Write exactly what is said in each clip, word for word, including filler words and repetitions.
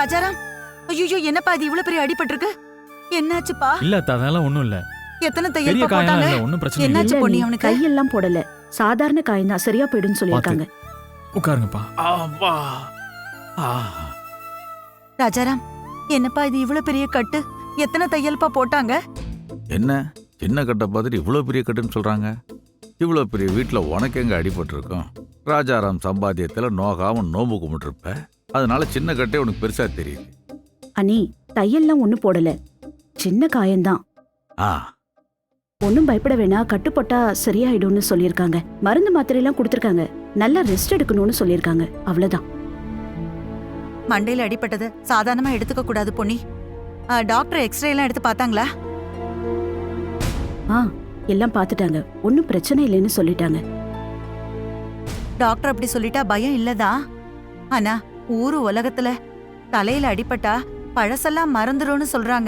ராஜாராம், ஐயோ என்னப்பா இது இவ்வளவு பெரிய அடிபட்டிருக்கு? என்னாச்சுப்பா? இல்ல அத்தை, அதெல்லாம் ஒண்ணும் இல்ல. எத்தனை பெரிய தையல் காயம் போட்டாங்க? இல்ல, ஒண்ணும் பிரச்சனை இல்ல. என்னாச்சு பொண்ணி அவனுக்கு? கையெல்லாம் போடல, சாதாரண காயம் தான், சரியா போயிடுன்னு சொல்லியிருக்காங்க. உட்காருங்கப்பா. ஆவா. ஆ. ராஜாராம், என்னப்பா இது இவ்வளவு பெரிய கட்டு? எத்தனை தையல்ப்பா போட்டாங்க? என்ன சின்ன கட்டை பார்த்துட்டு இவ்வளோ பெரிய கட்டுன்னு சொல்றாங்க? இவ்வளோ பெரிய வீட்டில் உனக்கு எங்க அடிபட்டிருக்கும்? ராஜாராம் சம்பாத்தியத்தில் நோகாம நோம்பு கும்பிட்டுருப்ப, அதனால சின்ன கட்டே உனக்கு பெருசா தெரியுது. அனி, தையல்லாம் ஒண்ணு போடல, சின்ன காயம்தான். ஆ, ஒன்னும் பயப்பட வேணாம், கட்டு போட்டா சரியாயிடும்னு சொல்லியிருக்காங்க. மருந்து மாத்திரை எல்லாம் கொடுத்திருக்காங்க, நல்லா ரெஸ்ட் எடுக்கணும்னு சொல்லியிருக்காங்க, அவ்வளவுதான். மண்டையில அடிபட்டது சாதாரணமா எடுத்துக்க கூடாது பொண்ணி. ஆ, டாக்டர் எக்ஸ்ரே எல்லாம் எடுத்து பார்த்தாங்களா? ஆ, எல்லாம் பார்த்துட்டாங்க, ஒன்னும் பிரச்சனை இல்லைன்னு சொல்லிட்டாங்க. டாக்டர் அப்படி சொல்லிட்டா பயம் இல்லதான். ஆனா ஊரு உலகத்துல தலையில அடிபட்டா பழசெல்லாம் மறந்துடும்னு சொல்றாங்க.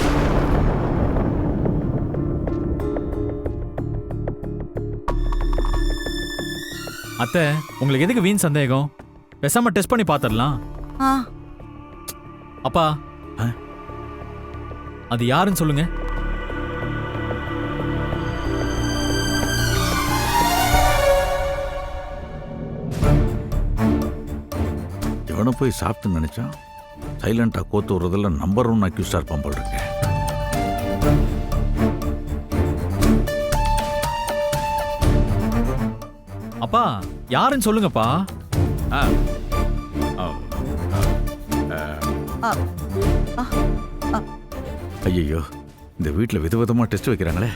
அத்தை, உங்களுக்கு எதுக்கு வீண் சந்தேகம்? பேசாம டெஸ்ட் பண்ணி பாத்துடலாம். ஆ, அப்பா, ஆ? அது யாருன்னு சொல்லுங்க. இவனை போய் சாப்பிட்டு நினைச்சான். சைலண்டா கோத்து விடுறதுல நம்பர் ஒன் அக்யூஸ்டா இருப்பான் போல் இருக்கு. அப்பா, யாருன்னு சொல்லுங்கப்பா. ஆ, ஆ, ஆ, ஆ, ஆ. ஐயோ, இந்த வீட்டில் விதவிதமா டெஸ்ட் வைக்கிறாங்களே.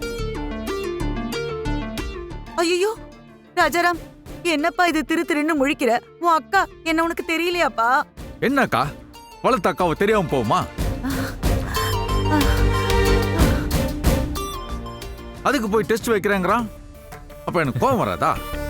ஐயோ ராஜாராம், என்னப்பா இது திரு திருன்னு முழிக்கிற? உன் அக்கா என்ன உனக்கு தெரியலையாப்பா? என்னக்கா, வளர்த்த அக்காவை தெரியாம போகுமா? அதுக்கு போய் டெஸ்ட் வைக்கிறேங்கிறான். அப்ப எனக்கு கோவம் வராதா?